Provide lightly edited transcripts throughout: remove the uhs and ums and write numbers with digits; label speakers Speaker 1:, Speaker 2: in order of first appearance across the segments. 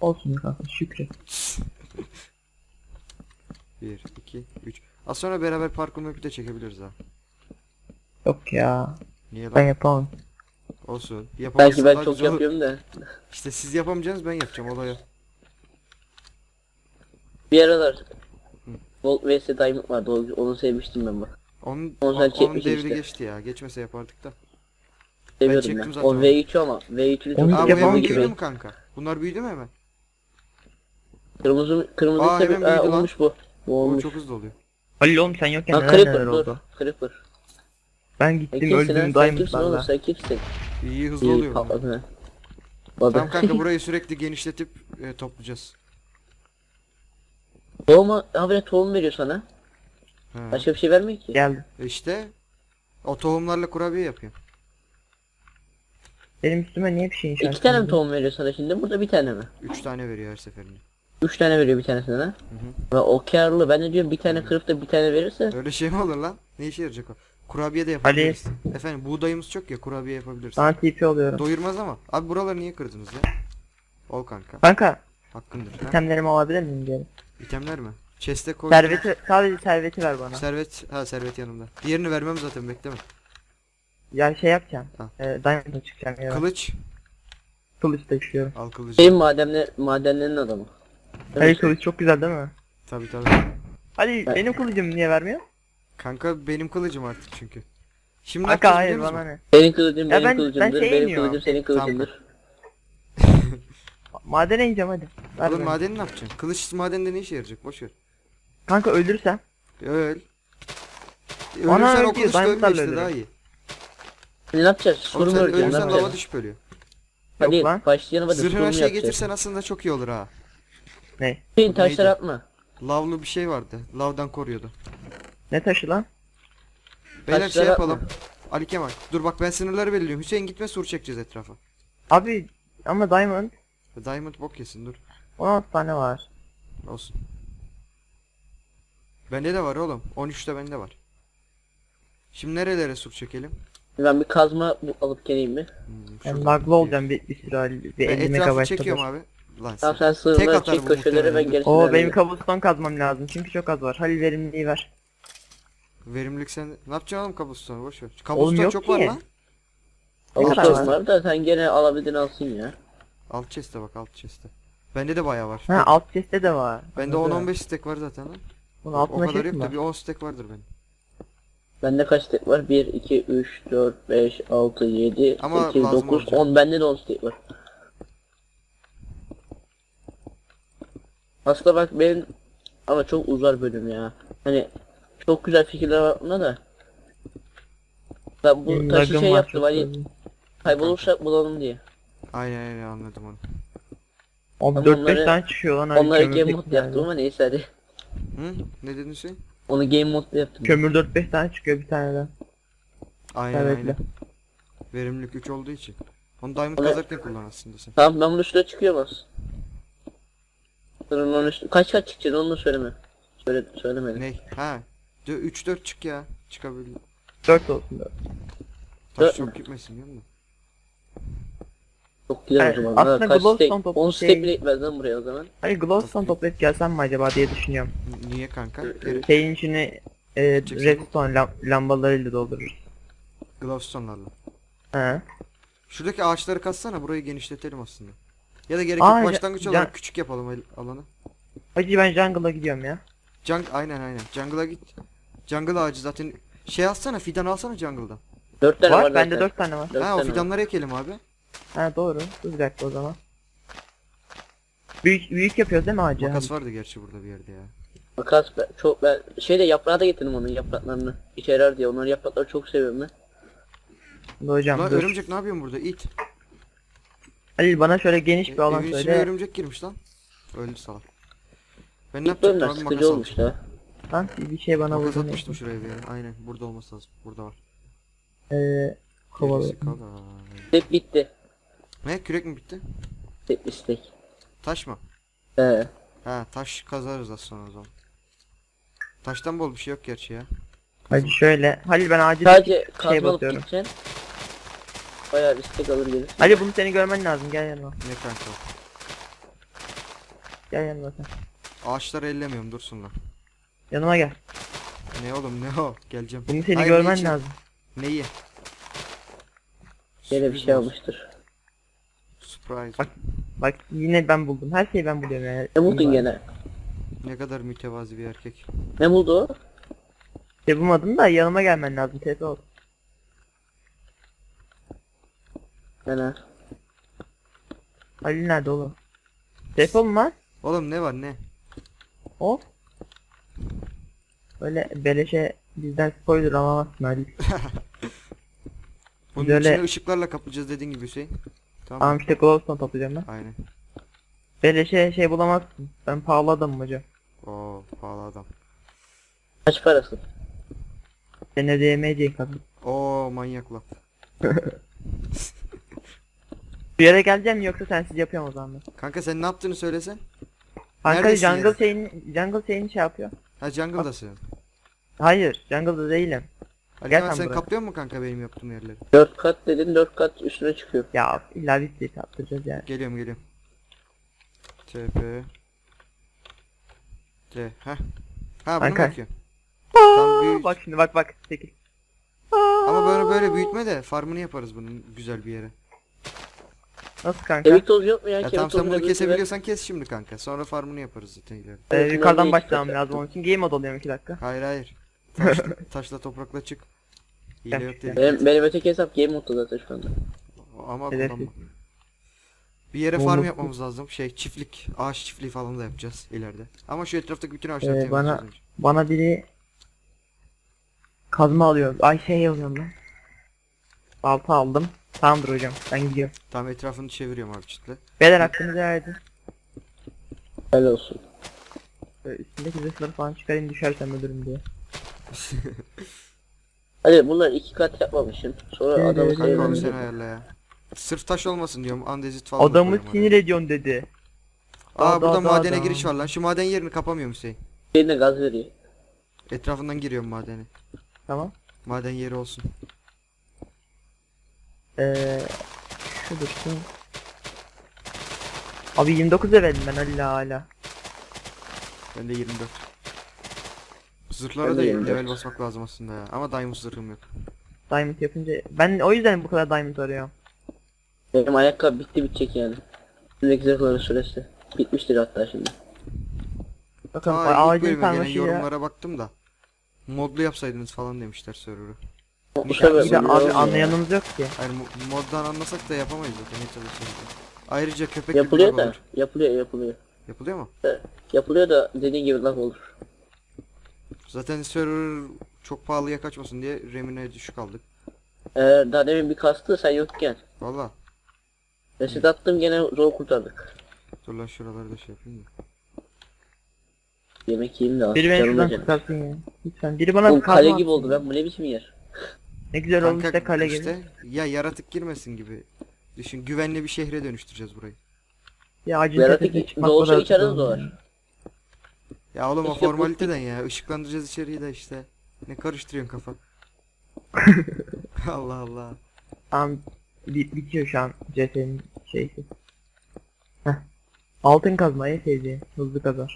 Speaker 1: Olsun kanka, şükret.
Speaker 2: 1, 2, 3. Az sonra beraber parkur map'i de çekebiliriz ha.
Speaker 1: Yok ya.
Speaker 2: Niye
Speaker 1: Ben
Speaker 2: lan?
Speaker 1: yapamam.
Speaker 2: Olsun.
Speaker 3: Belki
Speaker 2: Yapamazsan
Speaker 3: ben
Speaker 2: daha
Speaker 3: çok
Speaker 2: güzel olur.
Speaker 3: yapıyorum da.
Speaker 2: İşte siz yapamayacaksınız, ben yapacağım olaya.
Speaker 3: Bir aralar Volt vs Diamond vardı. Onu sevmiştim ben bak.
Speaker 2: Onun,
Speaker 3: Onu sen
Speaker 2: onun
Speaker 3: çekmişsin
Speaker 2: devri
Speaker 3: işte.
Speaker 2: geçti ya. Geçmese yapardık da.
Speaker 3: Seviyordum
Speaker 2: çektim
Speaker 3: ben.
Speaker 2: zaten
Speaker 3: O
Speaker 2: onu.
Speaker 3: V3 ama V3'ünü
Speaker 1: Onu
Speaker 3: çok
Speaker 2: Aa bu
Speaker 1: yapamam
Speaker 2: hemen
Speaker 1: ki
Speaker 2: büyüdü
Speaker 1: ben.
Speaker 2: mü kanka? Bunlar büyüdü mü hemen?
Speaker 3: Kırmızı
Speaker 2: Aa,
Speaker 3: tabii
Speaker 2: hemen büyüdü lan.
Speaker 3: olmuş bu. Bu
Speaker 2: O
Speaker 3: olmuş.
Speaker 2: çok hızlı oluyor.
Speaker 1: Halil oğlum sen yokken
Speaker 3: Ha
Speaker 1: neler neler
Speaker 3: Creeper dur.
Speaker 1: oldu.
Speaker 3: Creeper.
Speaker 1: Ben
Speaker 3: Sen
Speaker 1: gittim
Speaker 3: kimsin
Speaker 1: öldüm
Speaker 3: lan? Sen kimsin oğlum?
Speaker 1: Diamond'larla.
Speaker 3: Sen kimsin?
Speaker 2: İyi hızlı
Speaker 3: İyi
Speaker 2: oluyor bunlar.
Speaker 3: patladı ha.
Speaker 2: Tamam kanka, burayı sürekli genişletip toplayacağız.
Speaker 3: Tohum habire tohum veriyor sana.
Speaker 2: He.
Speaker 3: Başka bir şey vermiyor ki.
Speaker 1: Geldim.
Speaker 2: İşte o tohumlarla kurabiye yapıyor.
Speaker 1: Benim üstüme niye bir şey inşa
Speaker 3: 2 tane mi
Speaker 1: etmedin?
Speaker 3: tohum veriyor sana şimdi? Burada bir tane mi?
Speaker 2: 3 tane veriyor her seferinde.
Speaker 3: 3 tane veriyor bir tanesine ha. Ve o karlı. Ben de diyorum bir tane kırıp da bir tane verirse.
Speaker 2: Öyle şey mi olur lan? Ne işe yarayacak o? Kurabiye de yapabiliriz. Efendim buğdayımız çok ya, kurabiye yapabiliriz.
Speaker 1: Sana TP oluyorum.
Speaker 2: Doyurmaz ama. Abi buraları niye kırdınız ya? Ol kanka.
Speaker 1: Kanka
Speaker 2: Hakkındır. Ha?
Speaker 1: itemlerimi alabilir miyim diyelim.
Speaker 2: İtemler mi? Chest'e koy.
Speaker 1: Serveti, sadece serveti ver bana.
Speaker 2: Servet yanımda. Diğerini vermem zaten, bekleme.
Speaker 1: Ya şey yapacağım.
Speaker 2: Ha.
Speaker 1: Diamond'a çıkacağım ya.
Speaker 2: Kılıç.
Speaker 1: Kılıç da istiyorum.
Speaker 2: Al kılıcı.
Speaker 3: Benim madenlerin adamı.
Speaker 1: Halil kılıç çok güzel değil mi?
Speaker 2: Tabi.
Speaker 1: Halil
Speaker 3: Ben-
Speaker 1: benim kılıcım niye vermiyor?
Speaker 2: Kanka benim kılıcım artık çünkü. Şimdi ne
Speaker 1: Kanka
Speaker 2: yapacağız
Speaker 1: hayır
Speaker 2: biliyor
Speaker 1: bana
Speaker 2: musun?
Speaker 1: ne?
Speaker 3: Senin kılıcın
Speaker 1: Ya
Speaker 3: benim
Speaker 1: ben
Speaker 3: kılıcımdır.
Speaker 1: şeye
Speaker 3: Benim
Speaker 1: iniyorum.
Speaker 3: kılıcım senin kılıcındır.
Speaker 1: Madene ineceğim hadi. Ver
Speaker 2: Oğlum
Speaker 1: bana.
Speaker 2: madeni ne yapacaksın? Kılıç madende ne işe yarayacak? Boş ver.
Speaker 1: Kanka öldürsem.
Speaker 2: Öl.
Speaker 1: Bana
Speaker 2: Ölürsen
Speaker 1: öl
Speaker 2: o
Speaker 1: diyor,
Speaker 2: kılıçla ölme
Speaker 1: diamondlarla
Speaker 2: işte,
Speaker 1: ölürüm.
Speaker 2: daha iyi.
Speaker 3: Ne yapacağız?
Speaker 2: Oğlum
Speaker 3: Soru mu
Speaker 2: sen
Speaker 3: öreceğiz? Ne
Speaker 2: ölürsen lava
Speaker 3: yapacağız?
Speaker 2: düşüp ölüyor.
Speaker 3: Hadi
Speaker 1: Yok lan.
Speaker 3: başlayalım hadi.
Speaker 2: Zırhına
Speaker 3: Sorumu
Speaker 2: şey
Speaker 3: yapacağız.
Speaker 2: getirsen aslında çok iyi olur ha.
Speaker 1: Ne?
Speaker 3: Hüseyin taşlar
Speaker 2: Neydi?
Speaker 3: atma.
Speaker 2: Lavlı bir şey vardı. Lavdan koruyordu.
Speaker 1: Ne taşı lan?
Speaker 2: Beyler
Speaker 3: Taşları
Speaker 2: şey yapalım.
Speaker 3: atma.
Speaker 2: Ali Kemal. Dur bak, ben sınırları belirliyorum. Hüseyin gitme, sur çekeceğiz etrafa.
Speaker 1: Abi ama diamond
Speaker 2: Diamond bok yesin, dur.
Speaker 1: 16 tane var.
Speaker 2: Olsun. Bende de var oğlum. 13'te bende var. Şimdi nerelere sur çekelim?
Speaker 3: Ben bir kazma alıp geleyim mi?
Speaker 1: Ben
Speaker 2: şurada.
Speaker 1: laglı olacağım bir süre Halil. Bir
Speaker 2: Ben
Speaker 1: 50
Speaker 2: etrafı
Speaker 1: megabayt
Speaker 2: çekiyorum
Speaker 1: kadar.
Speaker 2: abi. Lan
Speaker 3: Tamam
Speaker 2: sen.
Speaker 3: sen
Speaker 2: Tek
Speaker 3: sığırları
Speaker 2: atar
Speaker 3: çek
Speaker 2: bu
Speaker 3: köşeleri ben
Speaker 2: muhtemelen.
Speaker 3: gerisini
Speaker 1: Oo benim
Speaker 3: hallederim.
Speaker 1: kabuston kazmam lazım çünkü çok az var. Halil verimliliği ver.
Speaker 2: Verimlilik sen. Ne yapacaksın oğlum kabustonu, boş ver.
Speaker 1: Oğlum
Speaker 2: Kabuston
Speaker 1: yok
Speaker 2: çok
Speaker 1: ki.
Speaker 2: var lan.
Speaker 1: Ne kadar
Speaker 3: Avusturya
Speaker 1: var?
Speaker 3: var da sen gene alabildiğini alsın ya.
Speaker 2: Alt chest'e bak, alt chest'e. Bende de bayağı var.
Speaker 1: Ha alt chest'te de var.
Speaker 2: Bende
Speaker 1: Anladım.
Speaker 2: 10-15 stack var zaten lan.
Speaker 1: Bunun
Speaker 2: O
Speaker 1: altında
Speaker 2: kadar
Speaker 1: şey
Speaker 2: yok
Speaker 1: mi
Speaker 2: da
Speaker 1: var?
Speaker 2: bir 10 stack vardır benim.
Speaker 3: Bende kaç tek var? 1, 2, 3, 4, 5, 6, 7,
Speaker 2: Ama
Speaker 3: 8,
Speaker 2: lazım
Speaker 3: 9,
Speaker 2: olacak.
Speaker 3: 10. Bende de 10 tek var. Aslında bak benim ama çok uzar bölüm ya. Hani çok güzel fikirler var bunda da. Ben bu
Speaker 1: Benim
Speaker 3: taşı
Speaker 1: lagım
Speaker 3: şey
Speaker 1: var
Speaker 3: yaptım
Speaker 1: çok
Speaker 3: hani
Speaker 1: fazla.
Speaker 3: kaybolursak bulalım diye.
Speaker 2: Aynen anladım onu.
Speaker 1: Abi
Speaker 3: Ama
Speaker 1: 4-5
Speaker 3: onları-
Speaker 1: tane çıkıyor lan. Halil,
Speaker 3: Onları
Speaker 1: kömür
Speaker 3: game
Speaker 1: tek
Speaker 3: mode yaptım
Speaker 1: nerede?
Speaker 3: ama neyse hadi.
Speaker 2: Hı? Ne dedin Hüseyin?
Speaker 3: Onu game mode yaptım.
Speaker 1: Kömür 4-5 tane çıkıyor bir taneden.
Speaker 2: Aynen
Speaker 1: Evet.
Speaker 2: aynen. Verimlilik 3 olduğu için. Onu diamond
Speaker 3: Onu-
Speaker 2: kazarken kullan aslında sen.
Speaker 3: Tamam ben bunun üstüne çıkıyorum az. Sırın onun üstüne. Kaç çıkacağız onu da söyleme. Söylemedim.
Speaker 2: Ney? Ha. 3-4 çık ya. Çıkabilir.
Speaker 1: 4 olsun 4.
Speaker 2: Taş
Speaker 3: Dört
Speaker 2: çok
Speaker 3: mü?
Speaker 2: gitmesin değil mi?
Speaker 3: Çok güzel
Speaker 1: Evet,
Speaker 3: o zaman.
Speaker 1: aslında
Speaker 3: Kaç
Speaker 1: glowstone
Speaker 3: stack?
Speaker 1: topu
Speaker 3: 10
Speaker 1: şey-
Speaker 3: stack bile gitmez lan buraya o zaman.
Speaker 1: Hayır glowstone toplayıp gelsem mi acaba diye düşünüyorum.
Speaker 2: Niye kanka? Geri
Speaker 1: Şeyin içini
Speaker 2: Çeksin.
Speaker 1: redstone lambalarıyla doldururuz.
Speaker 2: glowstone'larla.
Speaker 1: He.
Speaker 2: Şuradaki ağaçları katsana, burayı genişletelim aslında. Ya da gerek
Speaker 1: Aa,
Speaker 2: yok, başlangıç
Speaker 1: ya-
Speaker 2: olarak küçük yapalım alanı.
Speaker 1: Hacı ben jungle'a gidiyorum ya.
Speaker 2: Aynen. Jungle'a git. Jungle ağacı zaten. Şey alsana, fidan alsana jungle'dan.
Speaker 3: 4 tane var,
Speaker 1: Var bende
Speaker 3: zaten.
Speaker 1: 4 tane var.
Speaker 3: Dört
Speaker 2: Ha o
Speaker 3: tane var.
Speaker 2: fidanları ekelim abi.
Speaker 1: Ha doğru. Dur bir dakika o zaman. Büyük yapıyoruz değil mi ağacı?
Speaker 2: Makas vardı gerçi burada bir yerde ya.
Speaker 3: Makas ben şeyde yaprağı da getirdim onun yapraklarını. İşe yarar diye onların yaprakları çok seviyorum ben.
Speaker 1: Dur hocam
Speaker 2: Lan
Speaker 1: dur.
Speaker 2: örümcek ne yapıyorsun burada? İt.
Speaker 1: Halil bana şöyle geniş bir alan
Speaker 2: Evin içine
Speaker 1: söyle.
Speaker 2: örümcek girmiş lan. Öldü salak. Ben ne
Speaker 3: İlk bölümler
Speaker 2: yapacaktım abi,
Speaker 3: sıkıcı
Speaker 2: makas
Speaker 3: olmuş
Speaker 2: almıştım.
Speaker 3: da.
Speaker 1: Lan bir şey bana
Speaker 2: Makas
Speaker 1: vurdu.
Speaker 2: atmıştım şuraya bir yere. Aynen burada olması lazım. Burada var.
Speaker 1: Kovalı.
Speaker 2: Gerisi kalay.
Speaker 3: Step bitti.
Speaker 2: Ne, kürek mi bitti?
Speaker 3: Step istek.
Speaker 2: Taş mı?
Speaker 3: He.
Speaker 2: Ha taş kazarız az sonra o zaman. Taştan bol bir şey yok gerçi ya.
Speaker 1: Hadi şöyle. Halil ben acil
Speaker 3: Sadece
Speaker 1: şey
Speaker 3: kazma alıp
Speaker 1: basıyorum.
Speaker 3: gideceksin. Bayağı bir istek alır gelir.
Speaker 1: Halil bunu seni görmen lazım gel yanıma.
Speaker 2: Ne kanka?
Speaker 1: Gel yanıma sen.
Speaker 2: Ağaçları ellemiyorum dursun lan.
Speaker 1: Yanıma gel.
Speaker 2: Ne oğlum ne o? Geleceğim.
Speaker 1: Bunu seni
Speaker 2: Hayır, ne
Speaker 1: görmen
Speaker 2: için?
Speaker 1: lazım.
Speaker 2: Neyi?
Speaker 3: Yine bir
Speaker 2: Sürpriz
Speaker 3: şey
Speaker 2: olsun.
Speaker 3: almıştır.
Speaker 2: Surprise.
Speaker 1: Bak. Bak yine ben buldum. Her şeyi ben buluyorum yani.
Speaker 3: Ne buldun gene?
Speaker 2: Ne kadar mütevazi bir erkek.
Speaker 3: Ne buldu o?
Speaker 1: Şey bulmadım da yanıma gelmen lazım. TP ol.
Speaker 3: Gene.
Speaker 1: Halil nerede oğlum? TP ol mu lan?
Speaker 2: Oğlum ne var ne?
Speaker 1: Of. Böyle beleşe bizden spoiler alamazsın Halil.
Speaker 2: Bunun
Speaker 1: Böyle-
Speaker 2: içine ışıklarla kaplayacağız dediğin gibi Hüseyin. Tamam.
Speaker 1: Tamam işte glowstone toplayacağım ben.
Speaker 2: Aynen.
Speaker 1: Beleşe şey bulamazsın. Ben pahalı adamım hocam.
Speaker 2: Oo pahalı adam.
Speaker 3: Kaç parası?
Speaker 1: Sen ödeyemeyeceğin kadın.
Speaker 2: Oo manyak lan.
Speaker 1: Bir yere geleceğim mi yoksa sensiz yapıyorum o zaman.
Speaker 2: Kanka sen ne yaptığını söylesen.
Speaker 1: Kanka
Speaker 2: Neredesin
Speaker 1: jungle şeyini şey yapıyor.
Speaker 2: Ha jungle'dasın.
Speaker 1: Hayır jungle'da değilim.
Speaker 2: Ali
Speaker 1: Gel
Speaker 2: Kemal
Speaker 1: sen
Speaker 2: sen
Speaker 1: buraya.
Speaker 2: kaplıyor mu kanka benim yaptığım yerleri?
Speaker 3: 4 kat dedin, 4 kat üstüne çıkıyor.
Speaker 1: Ya illa bir şey yaptıracağız yani.
Speaker 2: Geliyorum. TP T. Ha. Ha bunu mu
Speaker 1: Kanka.
Speaker 2: bakıyorsun? Tam büyük.
Speaker 1: Bak şimdi bak 8.
Speaker 2: Ama böyle büyütme de farmını yaparız bunun güzel bir yere.
Speaker 1: Nasıl kanka?
Speaker 3: Kemik tozu yok mu ya?
Speaker 2: Ya
Speaker 3: Kemik
Speaker 2: tamam sen
Speaker 3: tozuyla
Speaker 2: bunu
Speaker 3: birlikte ver.
Speaker 2: kesebiliyorsan kes şimdi kanka. Sonra farmını yaparız zaten ileride.
Speaker 1: Yukarıdan
Speaker 3: Şunları
Speaker 1: başlamam
Speaker 3: iki
Speaker 1: lazım onun için. Game mode alıyorum 2 dakika.
Speaker 2: Hayır. Taşla toprakla çık. Hile
Speaker 1: Ben
Speaker 2: yok
Speaker 1: çıkacağım.
Speaker 2: dedik.
Speaker 3: Benim öteki hesap game modda zaten şu anda.
Speaker 2: Ama
Speaker 1: Hedef
Speaker 2: kullanma. Bir yere
Speaker 1: Olmaz.
Speaker 2: farm yapmamız lazım. Çiftlik, ağaç çiftliği falan da yapacağız ileride. Ama şu etraftaki bütün ağaçları
Speaker 1: Bana
Speaker 2: temizleyeceğiz önce.
Speaker 1: bana biri kazma alıyor. Ay şey alıyorum ben. Balta aldım. Tamamdır hocam. Ben gidiyorum.
Speaker 2: Tam etrafını çeviriyorum abi çitle.
Speaker 1: Beyler hakkınızı verdi.
Speaker 3: Helal olsun.
Speaker 1: Üstündeki zırhları falan çıkarayım düşersem ölürüm diye.
Speaker 3: Hadi bunlar 2 kat yapmamışsın. Sonra
Speaker 1: Evet,
Speaker 3: adamı
Speaker 1: evet,
Speaker 2: Kanka onu
Speaker 3: sevmem.
Speaker 2: sen ayarla ya. Sırf taş olmasın diyorum. Andezit falan da
Speaker 1: Adamı
Speaker 2: koyuyorum oraya.
Speaker 1: sinir ediyorsun dedi.
Speaker 2: Aa burada madene
Speaker 1: Adam.
Speaker 2: giriş var lan. Şu maden yerini kapamıyorum Hüseyin.
Speaker 3: Birine gaz veriyor.
Speaker 2: Etrafından giriyorum madene.
Speaker 1: Tamam.
Speaker 2: Maden yeri olsun.
Speaker 1: Şu dursun. Abi 29 levelim ben hala.
Speaker 2: Ben de 24. Zırhlara
Speaker 3: Ben
Speaker 2: da
Speaker 3: de 24.
Speaker 2: level basmak lazım aslında ya. Ama diamond zırhım yok.
Speaker 1: Diamond yapınca ben o yüzden bu kadar diamond arıyorum.
Speaker 3: Benim ayakkabı bitti bitecek yani. Üstündeki zırhların süresi. Bitmiştir hatta şimdi.
Speaker 1: Bakın
Speaker 2: Aa ilk
Speaker 1: ağacın
Speaker 2: bölüme gelen
Speaker 1: sarmaşıyla.
Speaker 2: yorumlara baktım da. Modlu yapsaydınız falan demişler server'ı.
Speaker 3: Bu sefer
Speaker 1: İyi de
Speaker 3: oluyor
Speaker 1: abi
Speaker 3: ya.
Speaker 1: anlayanımız yok ki.
Speaker 2: Hayır moddan anlasak da yapamayız zaten ne çalışıyoruz. Ayrıca köpek gibi
Speaker 3: Yapılıyor
Speaker 2: lag
Speaker 3: da.
Speaker 2: olur.
Speaker 3: Yapılıyor.
Speaker 2: Yapılıyor mu?
Speaker 3: Yapılıyor da dediğin gibi laf olur.
Speaker 2: Zaten server çok pahalıya kaçmasın diye remine düşük aldık.
Speaker 3: Daha demin bir kastı sen yokken.
Speaker 2: Valla.
Speaker 3: Reset attım gene zor kurtardık.
Speaker 2: Dur lan şuraları da şey yapayım da.
Speaker 3: Yemek yiyeyim de
Speaker 1: Biri beni
Speaker 3: canım
Speaker 1: şuradan
Speaker 3: acıdı.
Speaker 1: kurtarsın ya. Lütfen biri bana
Speaker 3: Oğlum
Speaker 1: kazma
Speaker 3: kale
Speaker 1: atsın.
Speaker 3: gibi oldu ben bu ne biçim yer.
Speaker 1: Ne güzel olmuş
Speaker 2: Kanka
Speaker 1: işte kale gibi.
Speaker 2: işte ya yaratık girmesin gibi. Düşün güvenli bir şehre dönüştüreceğiz burayı.
Speaker 1: Ya acil
Speaker 3: Yaratık
Speaker 1: tepesine çıkmak
Speaker 3: doğuşa
Speaker 1: kadar
Speaker 3: içeride
Speaker 1: zor
Speaker 3: doğar.
Speaker 1: ya.
Speaker 2: Ya oğlum o
Speaker 3: İşte bu-
Speaker 2: formaliteden ya. Işıklandıracağız içeriği de işte. Ne karıştırıyorsun kafa. Allah Allah.
Speaker 1: Tamam bitiyor şu an CS'nin şeysi. Heh. Altın kazma en sevdiğim. Hızlı kazar.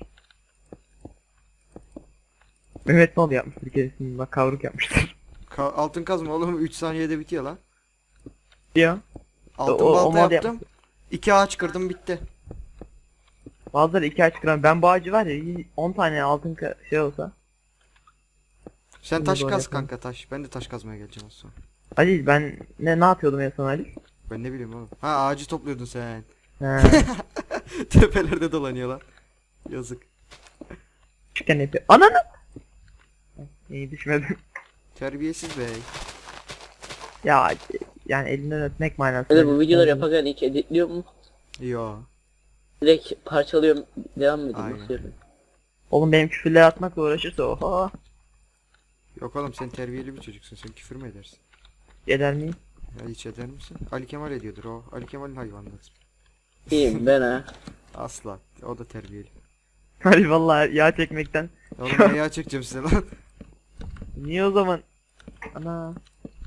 Speaker 1: Mehmet Nol yapmıştır kesin bak kavruk yapmıştır.
Speaker 2: Altın kazma oğlum 3 saniyede bitiyor lan.
Speaker 1: Diyor.
Speaker 2: Altın
Speaker 1: O
Speaker 2: balta
Speaker 1: mod
Speaker 2: yaptım. 2 ağaç kırdım bitti.
Speaker 1: Bazıları 2 ağaç kıran. Ben bu ağacı var ya 10 tane altın şey olsa.
Speaker 2: Sen
Speaker 1: Şimdi
Speaker 2: taş
Speaker 1: doğru
Speaker 2: kaz
Speaker 1: yapalım.
Speaker 2: kanka taş. Ben de taş kazmaya geleceğim az sonra.
Speaker 1: Halil ben ne yapıyordum en son Halil?
Speaker 2: Ben ne bileyim oğlum. Ha ağacı topluyordun sen.
Speaker 1: He.
Speaker 2: Tepelerde dolanıyor lan. Yazık.
Speaker 1: Küçükken yapıyor. Ananı! İyi düşmedim.
Speaker 2: Terbiyesiz bey.
Speaker 1: Ya yani elinden öpmek manası.
Speaker 3: Hadi bu videoları yaparken hiç editliyor mu?
Speaker 2: Yo.
Speaker 3: Direkt parçalıyorum devam mı edeyim
Speaker 2: Aynen.
Speaker 3: nasıl yapayım?
Speaker 1: Oğlum benim küfürler atmakla uğraşırsa oha.
Speaker 2: Yok oğlum sen terbiyeli bir çocuksun. Sen küfür mü edersin?
Speaker 1: Eder miyim?
Speaker 2: Ya hiç eder misin? Ali Kemal ediyordur o. Ali Kemal'in hayvanları.
Speaker 3: İyiyim ben ha.
Speaker 2: Asla. O da terbiyeli.
Speaker 1: Halil vallahi yağ çekmekten.
Speaker 2: Oğlum ne yağ çekeceğim size lan.
Speaker 1: Niye o zaman? Ana.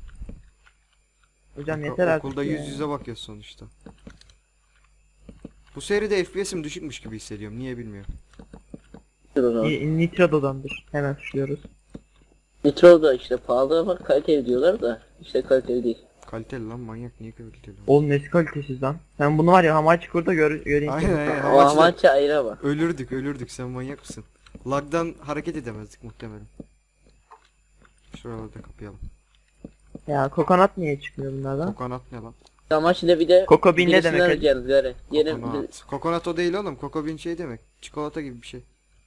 Speaker 1: Hocam yeter artık
Speaker 2: Okulda
Speaker 1: ya.
Speaker 2: yüz yüze bakıyoruz sonuçta. Bu seride FPS'im düşükmüş gibi hissediyorum. Niye bilmiyorum.
Speaker 3: Dur o zaman.
Speaker 1: Nitro'dandır. Hemen suçluyoruz.
Speaker 3: Nitro da işte pahalı ama kaliteli diyorlar da işte kaliteli değil.
Speaker 2: Kaliteli lan, manyak, niye kaliteli?
Speaker 1: Oğlum nesi kalitesiz lan. Sen bunu var ya Hamachi kurda göreyim.
Speaker 2: Aynen aynen.
Speaker 3: Ama
Speaker 2: Amaçla
Speaker 3: maçı ayrı ama.
Speaker 2: ölürdük sen manyak mısın? Lag'dan hareket edemezdik muhtemelen. Şuralarda kapayalım.
Speaker 1: Ya kokonat niye çıkmıyor bunlardan?
Speaker 2: Kokonat ne lan?
Speaker 3: Amaçla bir de
Speaker 1: Coco Bean ne
Speaker 3: birisini
Speaker 1: demek?
Speaker 3: arayacağız gari. Yeni
Speaker 2: Kokonat. Kokonat o değil oğlum. Coco Bean şey demek. Çikolata gibi bir şey.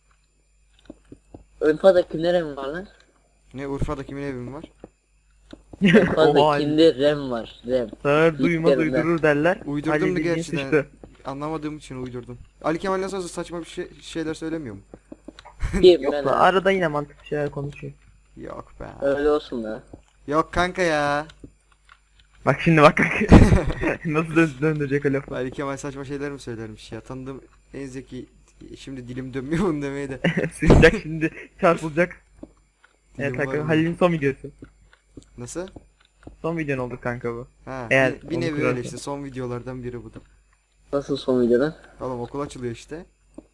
Speaker 3: Urfa'da kimlere mi var lan?
Speaker 2: Ne, Urfa'da kimin evi mi var?
Speaker 3: Urfa'da
Speaker 1: Oha.
Speaker 3: kimde rem var rem.
Speaker 1: Sağır duymaz
Speaker 3: İlklerinden.
Speaker 1: uydurur derler.
Speaker 2: Uydurdum
Speaker 1: Ali
Speaker 2: da
Speaker 1: bildiğin
Speaker 2: gerçi de.
Speaker 1: sıçtı.
Speaker 2: Anlamadığım için uydurdum. Ali Kemal nasıl olsa saçma bir şeyler söylemiyor mu?
Speaker 3: Kim
Speaker 1: Yok
Speaker 3: ben
Speaker 1: lan
Speaker 3: ha?
Speaker 1: arada yine mantıklı şeyler konuşuyor.
Speaker 2: Yok be.
Speaker 3: Öyle olsun da.
Speaker 2: Yok kanka ya.
Speaker 1: Bak şimdi bak. Nasıl döndürecek o lafı.
Speaker 2: Ali Kemal saçma şeyler mi söylermiş ya. Tanıdığım en zeki, şimdi dilim dönmüyor bunu demeye de.
Speaker 1: Sıçacak şimdi çarpılacak.
Speaker 2: Dilim
Speaker 1: Evet
Speaker 2: var
Speaker 1: kanka
Speaker 2: mı?
Speaker 1: Halil'in son videosu.
Speaker 2: Nasıl?
Speaker 1: Son videon oldu kanka bu.
Speaker 2: Ha,
Speaker 1: Eğer
Speaker 2: bir
Speaker 1: onu
Speaker 2: nevi öyle
Speaker 1: kurarsan.
Speaker 2: işte, son videolardan biri bu da.
Speaker 3: Nasıl son videoda?
Speaker 2: Oğlum okul açılıyor işte.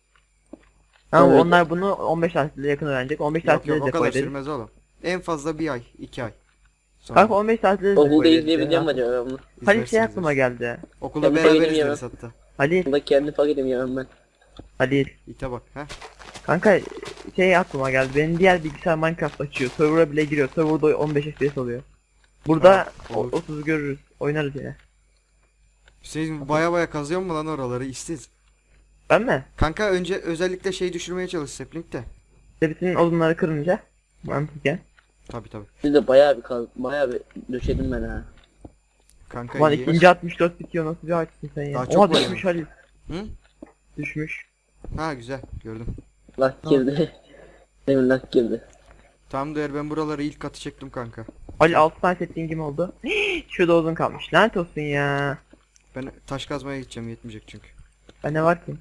Speaker 1: Ama
Speaker 3: Evet.
Speaker 1: onlar bunu 15 tatilde yakın öğrenecek. 15
Speaker 2: Yok
Speaker 1: tatilde
Speaker 2: yok, o
Speaker 1: de
Speaker 2: kadar
Speaker 1: koy dedik.
Speaker 2: sürmez oğlum. En fazla bir ay, 2 ay. Sonra
Speaker 1: Kanka 15 tatilde de
Speaker 3: Okulda
Speaker 1: koy dedik
Speaker 3: izleyebileceğim mi
Speaker 1: ya.
Speaker 3: acaba ben bunu?
Speaker 1: Halil şey
Speaker 2: izlersiniz
Speaker 1: aklıma geldi.
Speaker 2: Okulda
Speaker 3: Ya bu
Speaker 2: beraber
Speaker 3: benim
Speaker 2: izleriz
Speaker 3: ya.
Speaker 2: hatta.
Speaker 1: Halil,
Speaker 3: Bunda kendi paketim yemem ben.
Speaker 1: Halil.
Speaker 2: İte bak ha.
Speaker 1: Kanka şey aklıma geldi. Benim diğer bilgisayar Minecraft açıyor. Server'a bile giriyor. Server'da 15 FPS oluyor. Burada
Speaker 2: Ha, olur.
Speaker 1: 30 görürüz. Oynarız yine.
Speaker 2: Hüseyin baya kazıyor mu lan oraları, işsiz.
Speaker 1: Ben mi?
Speaker 2: Kanka önce özellikle şey düşürmeye çalış Sapling'de.
Speaker 1: İşte bütün odunları kırınca. Mantıken.
Speaker 2: Tabi tabi.
Speaker 3: Biz de bayağı bir döşedim ben ha.
Speaker 2: Kanka
Speaker 1: Ulan
Speaker 2: iyi.
Speaker 1: ikinci 64 bitiyor. Nasıl bir açsın sen ya?
Speaker 2: Daha
Speaker 1: Oha
Speaker 2: çok var
Speaker 1: düşmüş Halil.
Speaker 2: Hı?
Speaker 1: Düşmüş.
Speaker 2: Ha güzel, gördüm.
Speaker 3: Lak girdi. Demin lak girdi.
Speaker 2: Tam değer, ben buraları ilk katı çektim kanka.
Speaker 1: Halil 6 tane settingim oldu. Şurada odun kalmış. Lanet olsun ya.
Speaker 2: Ben taş kazmaya gideceğim, yetmeyecek çünkü.
Speaker 1: Ne var ki?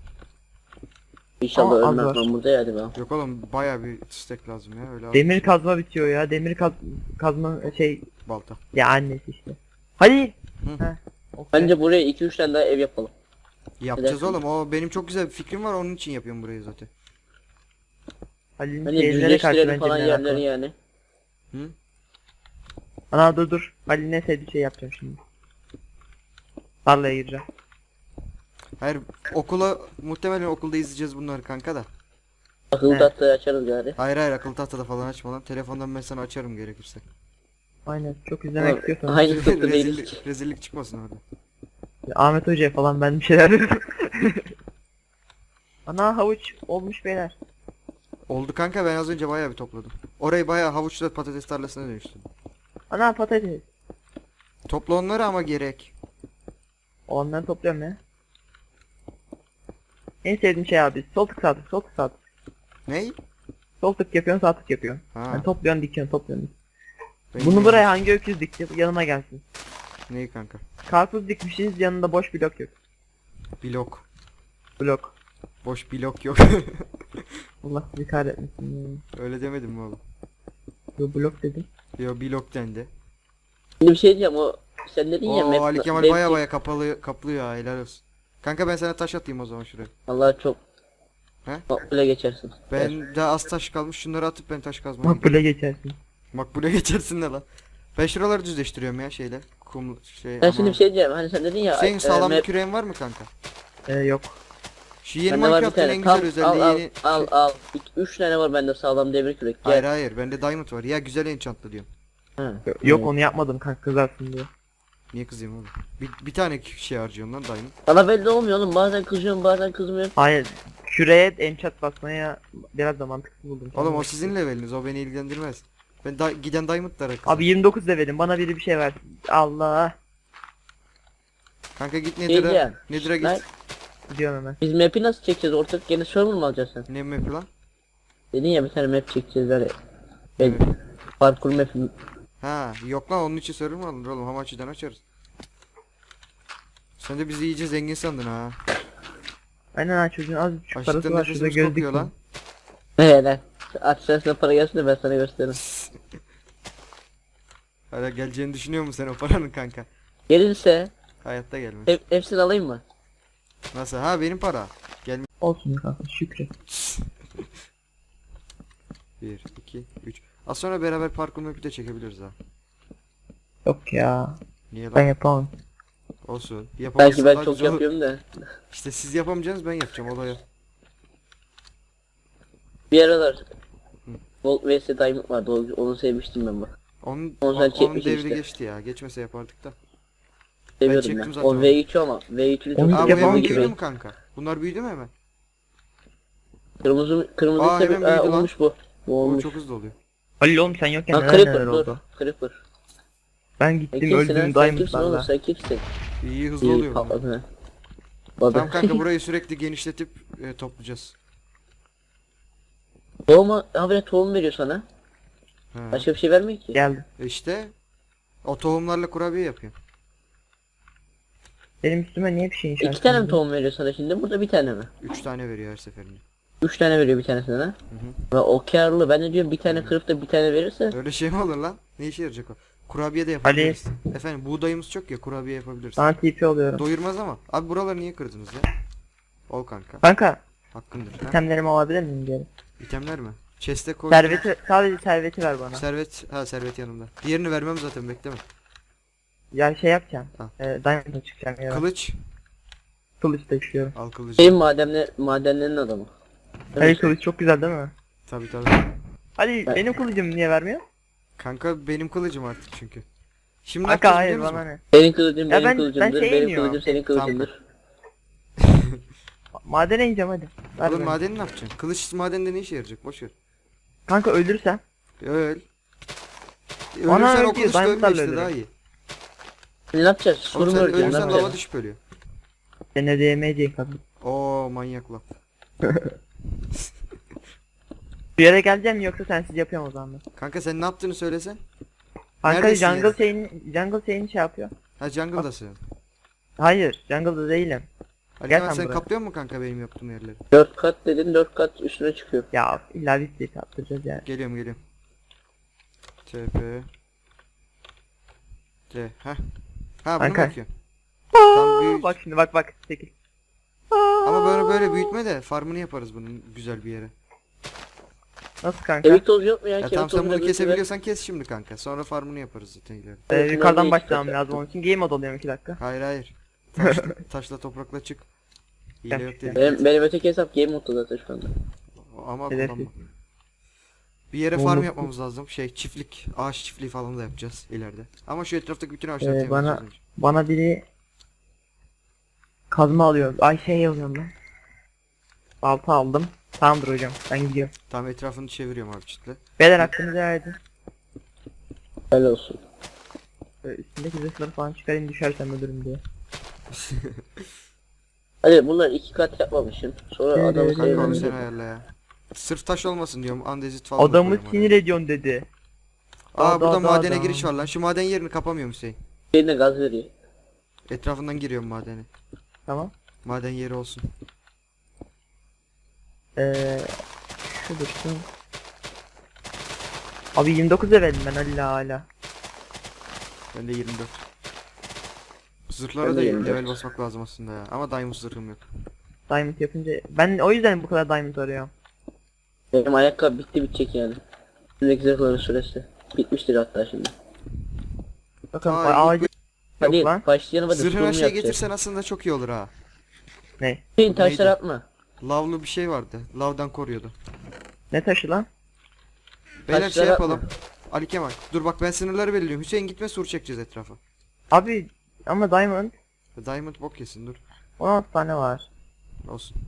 Speaker 3: İnşallah
Speaker 1: Ama az
Speaker 3: ölmem
Speaker 1: var.
Speaker 3: ben burada ya hadi bakalım.
Speaker 2: Yok oğlum, baya bir stack lazım ya, öyle az
Speaker 1: Demir
Speaker 2: bir şey.
Speaker 1: kazma bitiyor ya. Demir kazma şey
Speaker 2: Balta.
Speaker 1: ya annesi işte. Halil.
Speaker 2: Hı.
Speaker 1: Heh, okey.
Speaker 3: Bence buraya 2-3 tane daha ev yapalım.
Speaker 2: Yapacağız
Speaker 3: Neden?
Speaker 2: oğlum, o benim çok güzel bir fikrim var, onun için yapıyorum burayı zaten.
Speaker 1: Halil'in
Speaker 3: Bence
Speaker 1: şeylere karşı
Speaker 3: düzleştirelim
Speaker 1: bence
Speaker 3: falan
Speaker 1: meraklı.
Speaker 3: yerleri yani.
Speaker 2: Hı?
Speaker 1: Ana dur. Halil'in en sevdiği şey yapacağım şimdi. Tarlaya gireceğim.
Speaker 2: Hayır, muhtemelen okulda izleyeceğiz bunları kanka da.
Speaker 3: Akıllı
Speaker 1: He.
Speaker 3: tahtayı açarız gari.
Speaker 2: Hayır akıllı tahtada falan açma lan. Telefondan ben sana açarım gerekirse.
Speaker 1: Aynen. Çok izlemek
Speaker 3: Ulan,
Speaker 1: istiyorsan.
Speaker 3: Aynı sınıfta değiliz.
Speaker 2: rezillik çıkmasın orada.
Speaker 1: Ahmet Hoca'ya falan ben bir şeyler dedim. Ana havuç olmuş beyler.
Speaker 2: Oldu kanka, ben az önce bayağı bir topladım. Orayı bayağı havuçla patates tarlasına dönüştürdüm.
Speaker 1: Ana patates.
Speaker 2: Topla onları ama gerek.
Speaker 1: Olanları topluyorum ya. En sevdiğim şey abi. Sol tık sağ tık, sol tık sağ tık.
Speaker 2: Ney?
Speaker 1: Sol tık yapıyorsun, sağ tık yapıyorsun.
Speaker 2: Ha.
Speaker 1: Yani topluyorsun, dikiyorsun, topluyorsun.
Speaker 2: ben
Speaker 1: Bunu
Speaker 2: bilmiyorum.
Speaker 1: buraya hangi öküz dikti? Yanıma gelsin.
Speaker 2: Neyi kanka?
Speaker 1: Karpuz dikmişsiniz, yanında boş blok yok.
Speaker 2: Blok.
Speaker 1: Blok.
Speaker 2: Boş blok yok.
Speaker 1: Allah sizi kahretmesin.
Speaker 2: Öyle demedim mi oğlum?
Speaker 1: Yo blok dedim.
Speaker 2: Yo, blok dendi.
Speaker 3: Şimdi bir şey diyeceğim o sen dedin ya
Speaker 2: Oo, Ali Kemal
Speaker 3: map-
Speaker 2: baya kaplıyor ya, helal olsun. Kanka ben sana taş atayım o zaman şuraya.
Speaker 3: Allah çok
Speaker 2: He?
Speaker 3: makbule geçersin.
Speaker 2: Ben de az taş kalmış, şunları atıp ben taş kazmaya gidiyorum.
Speaker 1: Makbule geçersin.
Speaker 2: Makbule geçersin de lan. Ben şuraları düzleştiriyorum ya şeyle. Kum şey
Speaker 3: Ben şimdi
Speaker 2: ama.
Speaker 3: bir şey diyeceğim hani sen dedin ya
Speaker 2: Senin sağlam bir
Speaker 3: map-
Speaker 2: küreğin var mı kanka?
Speaker 1: Yok.
Speaker 2: Şu yeni
Speaker 3: bende var bir
Speaker 2: Minecraft'ın
Speaker 3: tane.
Speaker 2: en güzel
Speaker 3: Al,
Speaker 2: özelliği
Speaker 3: al,
Speaker 2: yeni...
Speaker 3: al. 3 tane var bende sağlam demir kürek. Gel.
Speaker 2: Hayır hayır, bende diamond var. Ya güzel enchantlı diyorum.
Speaker 3: Ha.
Speaker 1: Yok onu yapmadım kanka, kızarsın diye.
Speaker 2: Niye kızayım oğlum? Bir tane şey harcıyorum lan diamond.
Speaker 3: Bana belli olmuyor oğlum bazen kızıyorum bazen kızmıyorum.
Speaker 1: Hayır. Küreye enchant basmaya biraz da mantıksız buldum.
Speaker 2: Oğlum o sizin leveliniz, o beni ilgilendirmez. Ben giden diamondlara kızarım.
Speaker 1: Abi 29 levelim, bana biri bir şey ver. Allah.
Speaker 2: Kanka git
Speaker 3: Diyeceğim.
Speaker 2: Nether'a
Speaker 3: Lan,
Speaker 2: git.
Speaker 1: Gidiyorum hemen.
Speaker 3: biz map'i nasıl çekeceğiz ortak yeni server mı alacaksın sen?
Speaker 2: Ne map lan?
Speaker 3: Dedin ya bir tane map çekeceğiz böyle. Ben
Speaker 2: Evet.
Speaker 3: parkur map'i.
Speaker 2: Ha yok lan, onun için server mı alınır oğlum, Hamachi'den açarız. Sen de bizi iyice zengin sandın ha.
Speaker 1: Aynen ha, çocuğun az buçuk parası
Speaker 2: Açlıktan
Speaker 1: var, şurada
Speaker 2: nefesimiz
Speaker 1: göz
Speaker 2: kokuyor lan.
Speaker 1: diktim.
Speaker 3: Ne lan? Açsana para gelsin de ben sana gösteririm.
Speaker 2: Hala geleceğini düşünüyor musun sen o paranın kanka?
Speaker 3: Gelirse
Speaker 2: Hayatta gelmez.
Speaker 3: hepsini alayım mı?
Speaker 2: Nasıl? Ha benim para.
Speaker 1: Olsun kanka şükret.
Speaker 2: 1, 2, 3. Az sonra beraber parkur map'i de çekebiliriz ha.
Speaker 1: Yok ya.
Speaker 2: Niye
Speaker 1: Ben
Speaker 2: lan?
Speaker 1: yapamam.
Speaker 2: Olsun.
Speaker 3: Belki
Speaker 2: Yapamazsan
Speaker 3: ben
Speaker 2: daha
Speaker 3: çok
Speaker 2: güzel olur.
Speaker 3: yapıyorum da.
Speaker 2: İşte siz yapamayacaksınız, ben yapacağım olaya.
Speaker 3: Bir aralar Gold vs Diamond vardı. Onu sevmiştim ben bak.
Speaker 2: Onun,
Speaker 3: Onu sen
Speaker 2: onun
Speaker 3: çekmişsin
Speaker 2: devri
Speaker 3: işte.
Speaker 2: geçti ya. Geçmese yapardık da.
Speaker 3: Seviyordum
Speaker 2: çektim
Speaker 3: ben.
Speaker 2: zaten
Speaker 3: O
Speaker 2: onu.
Speaker 3: V3 ama V3'ünü çok
Speaker 1: Onu
Speaker 2: Aa bu
Speaker 1: yapamam
Speaker 2: hemen
Speaker 1: ki
Speaker 2: büyüdü
Speaker 1: ben.
Speaker 2: mü kanka? Bunlar büyüdü mü hemen?
Speaker 3: Kırmızı
Speaker 2: Aa,
Speaker 3: ise
Speaker 2: hemen büyüdü lan.
Speaker 3: olmuş bu. Bu
Speaker 2: Bu
Speaker 3: olmuş.
Speaker 2: çok hızlı oluyor.
Speaker 1: Halil oğlum sen yokken
Speaker 3: Ha
Speaker 1: neler neler
Speaker 3: Creeper dur.
Speaker 1: oldu.
Speaker 3: Creeper.
Speaker 1: Ben
Speaker 3: Sen
Speaker 1: gittim
Speaker 3: kimsin
Speaker 1: öldüm
Speaker 3: lan? Sen kimsin oğlum?
Speaker 1: Diamond'larla.
Speaker 3: Sen kimsin?
Speaker 2: İyi hızlı
Speaker 3: İyi
Speaker 2: oluyor bunlar.
Speaker 3: patladın ha.
Speaker 2: Tamam kanka burayı sürekli genişletip toplayacağız.
Speaker 3: Tohum habire tohum veriyor sana.
Speaker 2: Ha.
Speaker 3: Başka bir şey vermiyor ki.
Speaker 1: Geldi.
Speaker 2: İşte o tohumlarla kurabiye yapıyor.
Speaker 1: Benim üstüme niye bir şey inşa
Speaker 3: İki tane mi
Speaker 1: etmedin?
Speaker 3: tohum veriyor sana şimdi? Burada bir tane mi?
Speaker 2: 3 tane veriyor her seferinde.
Speaker 3: 3 tane veriyor bir tanesine ha. Ve o karlı. Ben de diyorum bir tane kırıp da bir tane verirse.
Speaker 2: Öyle şey mi olur lan? Ne işe yarayacak o? Kurabiye de yapabiliriz. Efendim buğdayımız çok ya, kurabiye yapabiliriz.
Speaker 1: Sana TP oluyorum.
Speaker 2: Doyurmaz ama. Abi buraları niye kırdınız ya? Ol kanka.
Speaker 1: Kanka
Speaker 2: Hakkındır. Ha?
Speaker 1: itemlerimi alabilir miyim geri?
Speaker 2: İtemler mi? Chest'e koy.
Speaker 1: Serveti, sadece serveti ver bana.
Speaker 2: Servet. Ha servet yanımda. Diğerini vermem zaten, bekleme.
Speaker 1: Ya şey yapacağım.
Speaker 2: Ha.
Speaker 1: Diamond'a çıkacağım ya.
Speaker 2: Kılıç.
Speaker 1: Kılıç da istiyorum.
Speaker 2: Al kılıcı.
Speaker 3: Benim madenlerin adamı.
Speaker 1: Halil kılıç çok güzel değil mi?
Speaker 2: Tabii tabii.
Speaker 1: Hadi benim kılıcım niye vermiyor?
Speaker 2: Kanka benim kılıcım artık çünkü. Şimdi ne
Speaker 1: Kanka
Speaker 2: yapacağız
Speaker 1: hayır
Speaker 2: biliyor
Speaker 1: bana
Speaker 2: musun?
Speaker 1: ne?
Speaker 3: Senin kılıcın
Speaker 1: Ya
Speaker 3: benim
Speaker 1: ben
Speaker 3: kılıcımdır.
Speaker 1: şey
Speaker 3: Benim
Speaker 1: iniyorum.
Speaker 3: kılıcım senin kılıcındır.
Speaker 1: Madene ineceğim hadi. Ver
Speaker 2: Oğlum
Speaker 1: bana.
Speaker 2: madeni ne yapacaksın? Kılıç madende ne işe yarayacak? Boş ver.
Speaker 1: Kanka öldürsem.
Speaker 2: Öl.
Speaker 1: Bana
Speaker 2: Ölürsen
Speaker 1: öl
Speaker 2: o
Speaker 1: diyor,
Speaker 2: kılıç da ölme
Speaker 1: diamondlarla
Speaker 2: işte, daha
Speaker 1: ölürüm.
Speaker 2: iyi.
Speaker 3: Ne yapacağız?
Speaker 2: Oğlum
Speaker 3: Sur mu
Speaker 2: sen
Speaker 3: öreceğiz? Ne
Speaker 2: ölürsen lava
Speaker 3: yapacağız?
Speaker 2: düşüp ölüyor.
Speaker 1: Sen de DMC kadın.
Speaker 2: Oo manyak lan.
Speaker 1: Bir yere geleceğim mi yoksa sensiz yapıyorum o zaman ben.
Speaker 2: Kanka sen ne yaptığını söylesen.
Speaker 1: Kanka
Speaker 2: Neredesin
Speaker 1: jungle
Speaker 2: ya?
Speaker 1: jungle şeyini şey yapıyor.
Speaker 2: Ha jungle'dasın.
Speaker 1: Hayır jungle'da değilim.
Speaker 2: Ali
Speaker 1: Gel
Speaker 2: Kemal,
Speaker 1: sen
Speaker 2: sen
Speaker 1: buraya.
Speaker 2: kaplıyor musun kanka benim yaptığım yerleri?
Speaker 3: 4 kat dedin 4 kat üstüne çıkıyor.
Speaker 1: Ya illa bir şey attıracağız yani.
Speaker 2: Geliyorum. TP. T. Ha. Ha bunu
Speaker 1: Kanka.
Speaker 2: bakıyorum. Tam büyük.
Speaker 1: Bak şimdi bak 8.
Speaker 2: Ama böyle büyütme de farmını yaparız bunun güzel bir yere.
Speaker 1: Nasıl kanka?
Speaker 3: Kemik tozu yok mu ya?
Speaker 2: Ya
Speaker 3: Kemik
Speaker 2: tamam sen
Speaker 3: tozuyla
Speaker 2: bunu
Speaker 3: birlikte
Speaker 2: kesebiliyorsan kes şimdi kanka. Sonra farmını yaparız zaten ileride.
Speaker 1: Yukarıdan
Speaker 3: Şunları
Speaker 1: başlamam
Speaker 3: bir-
Speaker 1: lazım onun için. Game mode alıyorum 2 dakika.
Speaker 2: Hayır. Taşla toprakla çık. Hile yok dedik.
Speaker 3: Benim öteki hesap game modda zaten şu anda.
Speaker 2: Ama
Speaker 1: Hedef
Speaker 2: kullanma. Bir yere farm yapmamız lazım. Çiftlik, ağaç çiftliği falan da yapacağız ileride. Ama şu etraftaki bütün ağaçları temizleyeceğiz önce.
Speaker 1: Bana biri kazma alıyor. Ay şey alıyorum lan. Balta aldım. Tamamdır hocam. Ben gidiyorum.
Speaker 2: Tam etrafını çeviriyorum abi çitle.
Speaker 1: Beyler hakkınızı verdi.
Speaker 3: Helal olsun.
Speaker 1: Üstündeki zırhları falan çıkarayım düşersem ölürüm diye.
Speaker 3: Hadi bunlar 2 kat yapmamışım. Sonra adamı
Speaker 1: Evet,
Speaker 2: Kanka onu
Speaker 3: sayılır.
Speaker 2: sen ayarla ya. Sırf taş olmasın diyorum. Andezit falan da
Speaker 1: Adamı
Speaker 2: koyuyorum
Speaker 1: sinir ediyorsun dedi.
Speaker 2: oraya. Aa burada
Speaker 1: Da,
Speaker 2: madene
Speaker 1: da.
Speaker 2: giriş var lan. Şu maden yerini kapamıyorum Hüseyin.
Speaker 3: Birine gaz veriyor.
Speaker 2: Etrafından giriyorum madene.
Speaker 1: Tamam.
Speaker 2: Maden yeri olsun.
Speaker 1: Şu dursun. Abi 29 verdim ben hala.
Speaker 2: Ben de 24. Zırhlara
Speaker 3: Ben
Speaker 2: da
Speaker 3: de 24.
Speaker 2: level basmak lazım aslında ya. Ama diamond zırhım yok.
Speaker 1: Diamond yapınca ben o yüzden bu kadar diamond arıyorum.
Speaker 3: Benim ayakkabı bitecek yani. Üstündeki zırhların süresi. Bitmiştir hatta şimdi.
Speaker 1: Bakın
Speaker 2: Aa,
Speaker 1: ağacı
Speaker 3: Hadi
Speaker 1: yok lan.
Speaker 3: başlayalım hadi.
Speaker 2: Zırhına
Speaker 3: sunum
Speaker 2: şey
Speaker 3: yapacağız.
Speaker 2: getirsen aslında çok iyi olur ha.
Speaker 1: Ne?
Speaker 3: Hüseyin taşlar
Speaker 2: Neydi?
Speaker 3: atma.
Speaker 2: Lavlı bir şey vardı. Lavdan koruyordu.
Speaker 1: Ne taşı lan?
Speaker 2: Beyler
Speaker 3: Taşlar
Speaker 2: şey
Speaker 3: atma.
Speaker 2: yapalım. Ali Kemal. Dur bak ben sınırları belirliyorum. Hüseyin gitme, sur çekeceğiz etrafa.
Speaker 1: Abi ama diamond
Speaker 2: Diamond bok yesin dur.
Speaker 1: 16 tane var.
Speaker 2: Olsun.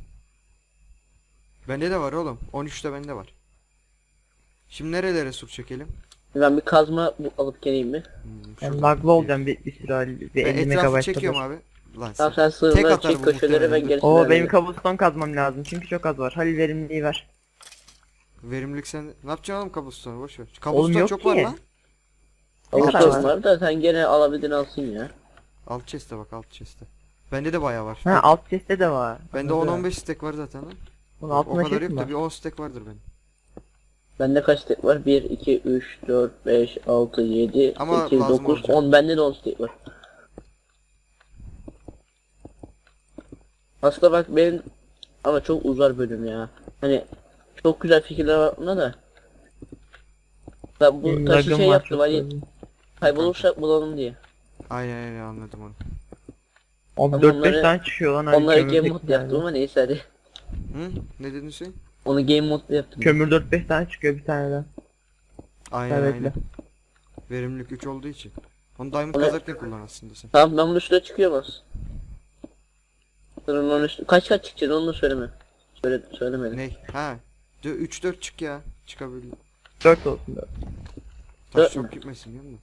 Speaker 2: Bende de var oğlum. 13'te bende var. Şimdi nerelere sur çekelim?
Speaker 3: Ben bir kazma alıp geleyim mi?
Speaker 1: Ben
Speaker 2: şuradan.
Speaker 1: laglı olacağım bir süre hali. Bir
Speaker 2: Ben
Speaker 1: 50
Speaker 2: etrafı
Speaker 1: megabayt
Speaker 2: çekiyorum
Speaker 1: kadar.
Speaker 2: abi. Lan
Speaker 3: Tamam
Speaker 2: sen.
Speaker 3: sen
Speaker 2: Tek
Speaker 3: sığınlar
Speaker 2: atar
Speaker 3: çek
Speaker 2: bu
Speaker 3: köşeleri ben
Speaker 2: muhtemelen.
Speaker 3: gerisini
Speaker 1: Oo benim
Speaker 3: hallederim.
Speaker 1: cobblestone kazmam lazım çünkü çok az var. Halil verimliliği ver.
Speaker 2: Verimlilik sen. Ne yapacaksın oğlum kablostone'u, boş ver.
Speaker 1: Oğlum
Speaker 2: Kablostone
Speaker 1: yok
Speaker 2: çok
Speaker 1: ki.
Speaker 2: var lan.
Speaker 3: Ama
Speaker 1: Ne kadar
Speaker 3: sorun
Speaker 1: var?
Speaker 3: var da sen gene alabildiğini alsın ya.
Speaker 2: Alt chest'e bak, alt chest'e. Bende de bayağı var.
Speaker 1: Ha alt chest'te de var.
Speaker 2: Bende
Speaker 1: Anladım.
Speaker 2: 10-15 stack var zaten lan.
Speaker 1: Bunun
Speaker 2: O
Speaker 1: altında
Speaker 2: kadar
Speaker 1: chest mi
Speaker 2: yok da
Speaker 1: var?
Speaker 2: bir 10 stack vardır benim.
Speaker 3: Bende kaç tek var? 1, 2, 3, 4, 5, 6, 7,
Speaker 2: Ama
Speaker 3: 8,
Speaker 2: lazım
Speaker 3: 9,
Speaker 2: olacak.
Speaker 3: 10. Bende de 10 tek var. Aslında bak benim ama çok uzar bölüm ya. Hani çok güzel fikirler var bunda da. Ben bu taşı
Speaker 1: Lagım
Speaker 3: şey
Speaker 1: var
Speaker 3: yaptım
Speaker 1: çok
Speaker 3: hani
Speaker 1: fazla.
Speaker 3: kaybolursak bulalım diye.
Speaker 2: Aynen anladım onu.
Speaker 1: Abi
Speaker 3: Ama
Speaker 1: 4-5
Speaker 3: onları-
Speaker 1: tane çıkıyor lan. Hani
Speaker 3: Onları game
Speaker 1: kömürdeki
Speaker 3: mode yaptım
Speaker 1: yani.
Speaker 3: ama neyse hadi.
Speaker 2: Hı? Ne dedin sen?
Speaker 3: Onu game mode yaptım.
Speaker 1: Kömür 4-5 tane çıkıyor bir taneden.
Speaker 2: Aynen
Speaker 1: Evet.
Speaker 2: aynen. Verimlilik 3 olduğu için. Onu diamond
Speaker 3: Onu-
Speaker 2: kazarken kullan aslında sen.
Speaker 3: Tamam ben bunun üstüne çıkıyorum az. Onun üstüne kaç çıkacak onu da söyleme. Söylemedim.
Speaker 2: Ne? Ha. 3-4 çık ya. Çıkabilir.
Speaker 1: 4 olsun 4.
Speaker 2: Taş
Speaker 3: Dört
Speaker 2: çok
Speaker 3: mü?
Speaker 2: gitmesin değil mi?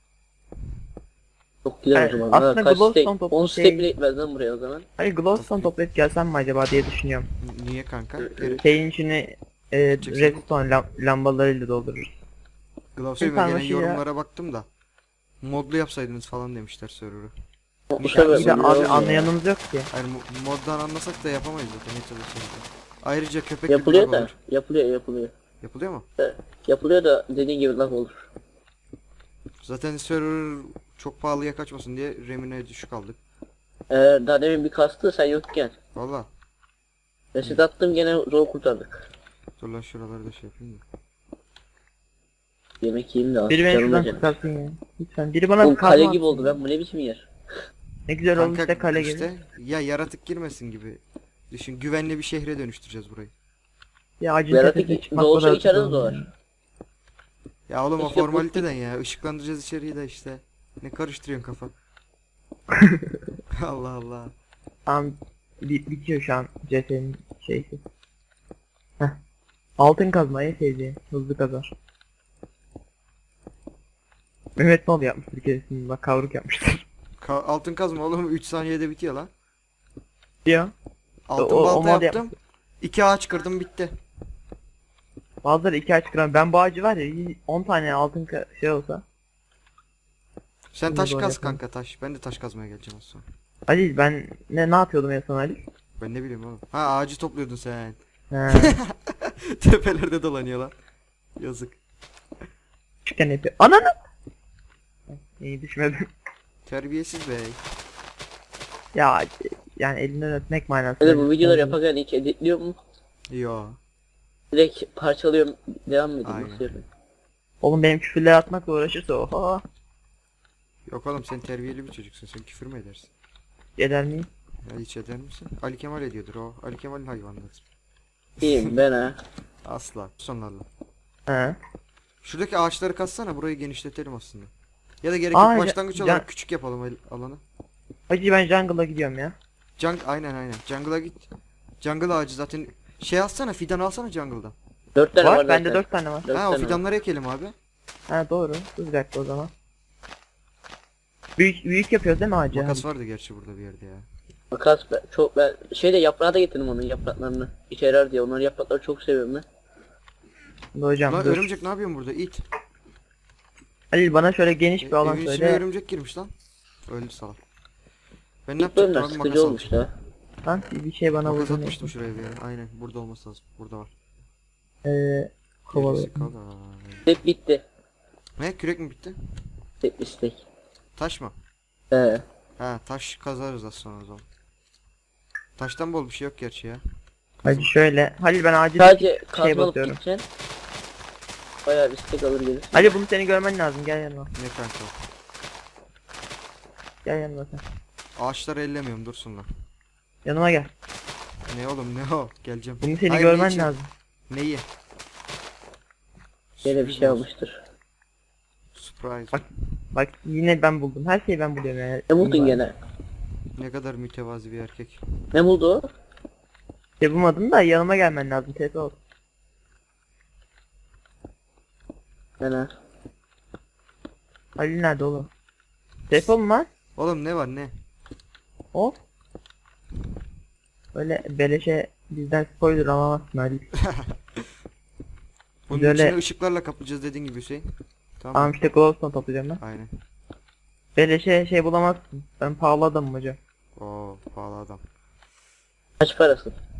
Speaker 3: Çok gider
Speaker 1: Yani
Speaker 3: o zaman.
Speaker 1: aslında
Speaker 3: Ha, kaç
Speaker 1: glowstone
Speaker 3: stack?
Speaker 1: topu
Speaker 3: 10
Speaker 1: şey-
Speaker 3: stack bile gitmez lan buraya o zaman.
Speaker 1: Hani glowstone toplayıp gelsem mi acaba diye düşünüyorum.
Speaker 2: Niye kanka?
Speaker 1: Şeyin içini redstone lambalarıyla doldururuz.
Speaker 2: Glove
Speaker 1: Bir tane
Speaker 2: gelen
Speaker 1: şey
Speaker 2: yorumlara baktım da. Modlu yapsaydınız falan demişler server'ı.
Speaker 3: Bu
Speaker 1: Bir
Speaker 3: sefer
Speaker 1: de
Speaker 3: bunu
Speaker 1: abi
Speaker 3: olmuyor.
Speaker 1: anlayanımız yok ki.
Speaker 2: Hayır moddan anlasak da yapamayız zaten ne çalışıyoruz. Ayrıca köpek gibi
Speaker 3: Yapılıyor
Speaker 2: lag
Speaker 3: da.
Speaker 2: olur.
Speaker 3: Yapılıyor.
Speaker 2: Yapılıyor mu?
Speaker 3: Yapılıyor da dediğin gibi lag olur.
Speaker 2: Zaten server çok pahalıya kaçmasın diye remine düşük aldık.
Speaker 3: Daha demin bir kastı sen yokken.
Speaker 2: Valla.
Speaker 3: Reset attım gene zor kurtardık.
Speaker 2: Dur lan şuraları da şey yapayım da.
Speaker 3: Yemek yiyeyim de az.
Speaker 1: Biri beni
Speaker 3: canım
Speaker 1: şuradan
Speaker 3: acıdı.
Speaker 1: kurtarsın ya. Lütfen. Biri bana
Speaker 3: Oğlum
Speaker 1: bir kazma
Speaker 3: kale
Speaker 1: atsın.
Speaker 3: gibi oldu ben bu ne biçim yer.
Speaker 1: Ne güzel olmuş
Speaker 2: Kanka
Speaker 1: işte kale gibi.
Speaker 2: işte ya yaratık girmesin gibi. Düşün güvenli bir şehre dönüştüreceğiz burayı.
Speaker 1: Ya acil
Speaker 3: Yaratık
Speaker 1: tepesine çıkmak
Speaker 3: doğuşa
Speaker 1: kadar
Speaker 3: içeride
Speaker 1: zor
Speaker 3: doğar.
Speaker 1: ya.
Speaker 2: Ya oğlum o
Speaker 3: İşte bu-
Speaker 2: formaliteden ya ışıklandıracağız içeriği de işte. Ne karıştırıyorsun kafa? Allah Allah.
Speaker 1: Tamam bitiyor şu an CS'nin şeysi. Heh. Altın kazmayı sevdiğim hızlı kazar. Mehmet ne oldu yapmıştır bir keresinde bak kavruk yapmıştır.
Speaker 2: Altın kazma oğlum 3 saniyede bitiyor lan.
Speaker 1: Diyor.
Speaker 2: Altın
Speaker 1: O
Speaker 2: balta
Speaker 1: mod
Speaker 2: yaptım. 2 ağaç kırdım bitti.
Speaker 1: Bazıları 2 ay çıkaran ben bu ağacı var ya 10 tane altın şey olsa.
Speaker 2: Sen
Speaker 1: Şimdi
Speaker 2: taş
Speaker 1: böyle
Speaker 2: kaz
Speaker 1: yapalım.
Speaker 2: kanka taş. Ben de taş kazmaya geleceğim az sonra.
Speaker 1: Ali ben ne yapıyordum en son Ali?
Speaker 2: Ben ne bileyim oğlum. Ha ağacı topluyordun sen.
Speaker 1: He.
Speaker 2: Tepelerde dolanıyor lan. Yazık.
Speaker 1: Çıkan yapıyor. Ananı! İyi düşmedim.
Speaker 2: Terbiyesiz bey.
Speaker 1: Ya yani elinden öpmek manası.
Speaker 3: Hadi bu videoları yaparken hiç editliyor mu?
Speaker 2: Yo.
Speaker 3: Direkt parçalıyorum devam ediyorum.
Speaker 2: Aynen.
Speaker 3: Nasıl yapayım?
Speaker 1: Oğlum benim küfürler atmakla uğraşırsa oha.
Speaker 2: Yok oğlum sen terbiyeli bir çocuksun. Sen küfür mü edersin?
Speaker 1: Eder miyim?
Speaker 2: Ya hiç eder misin? Ali Kemal ediyordur o. Ali Kemal'in hayvanları.
Speaker 3: İyiyim ben ha.
Speaker 2: Asla. Sonlarla.
Speaker 1: He.
Speaker 2: Şuradaki ağaçları kazsana burayı genişletelim aslında. Ya da gerek
Speaker 1: Aa,
Speaker 2: yok başlangıç
Speaker 1: can-
Speaker 2: olarak küçük yapalım alanı.
Speaker 1: Hacı ben jungle'a gidiyorum ya.
Speaker 2: Aynen. Jungle'a git. Jungle ağacı zaten şey alsana fidan alsana jungle'dan.
Speaker 3: 4 tane var,
Speaker 1: Var bende
Speaker 3: zaten.
Speaker 1: 4 tane var.
Speaker 3: Dört
Speaker 2: Ha o
Speaker 3: tane var.
Speaker 2: fidanları ekelim abi.
Speaker 1: Ha doğru. Dur bir dakika o zaman. Büyük yapıyoruz değil mi ağacı?
Speaker 2: Makas vardı gerçi burada bir yerde ya.
Speaker 3: Makas ben şeyde yaprağı da getirdim onun yapraklarını. İşe yarar diye onların yaprakları çok seviyorum ben.
Speaker 1: Hadi hocam
Speaker 2: Lan
Speaker 1: dur.
Speaker 2: örümcek ne yapıyorsun burada? İt.
Speaker 1: Halil bana şöyle geniş bir alan
Speaker 2: Evin içine
Speaker 1: söyle.
Speaker 2: örümcek girmiş lan. Öldü salak. Ben ne
Speaker 3: İlk bölümler
Speaker 2: yapacaktım abi
Speaker 3: sıkıcı
Speaker 2: makas
Speaker 3: olmuş
Speaker 2: almıştım.
Speaker 1: Lan
Speaker 3: da.
Speaker 1: bir şey bana
Speaker 2: Makas
Speaker 1: vurdu.
Speaker 2: atmıştım şuraya bir yere. Aynen burada olması lazım. Burada var.
Speaker 1: Kovalı.
Speaker 2: Gerisi kolay.
Speaker 3: Hep bitti.
Speaker 2: Ne kürek mi bitti?
Speaker 3: Hep istek.
Speaker 2: Taş mı?
Speaker 3: He.
Speaker 2: Ha taş kazarız az sonra o zaman. Taştan bol bir şey yok gerçi ya.
Speaker 1: Hadi şöyle. Halil ben ağacı
Speaker 3: Sadece
Speaker 1: şey
Speaker 3: kazma alıp
Speaker 1: basıyorum.
Speaker 3: gideceksin. Bayağı bir istek alır gelir.
Speaker 1: Halil bunu seni görmen lazım. Gel yanıma.
Speaker 2: Ne kanka o?
Speaker 1: Gel yanıma sen.
Speaker 2: Ağaçları ellemiyorum dursunlar.
Speaker 1: Yanıma gel.
Speaker 2: Ne oğlum ne o? Geleceğim.
Speaker 1: Bunu seni
Speaker 2: Hayır,
Speaker 1: görmen
Speaker 2: ne için?
Speaker 1: lazım.
Speaker 2: Neyi?
Speaker 3: Gene bir
Speaker 2: Sürpriz
Speaker 3: şey
Speaker 2: olsun.
Speaker 3: almıştır.
Speaker 2: Surprise.
Speaker 1: Bak yine ben buldum. Her şeyi ben buluyorum yani.
Speaker 3: Ne buldun gene?
Speaker 2: Ne kadar mütevazi bir erkek.
Speaker 3: Ne buldu o?
Speaker 1: Şey bulmadım da yanıma gelmen lazım. TP ol.
Speaker 3: Gene.
Speaker 1: Halil nerede oğlum? TP olun lan.
Speaker 2: Oğlum ne var ne?
Speaker 1: Hop. Öyle beleşe bizden spoiler alamazsın Halil.
Speaker 2: Bunun
Speaker 1: Böyle-
Speaker 2: içine ışıklarla kaplayacağız dediğin gibi Hüseyin. Tamam.
Speaker 1: Tamam işte glowstone toplayacağım ben.
Speaker 2: Aynen.
Speaker 1: Beleşe şey bulamazsın. Ben pahalı adamım hocam.
Speaker 2: Oo pahalı adam.
Speaker 3: Kaç parası?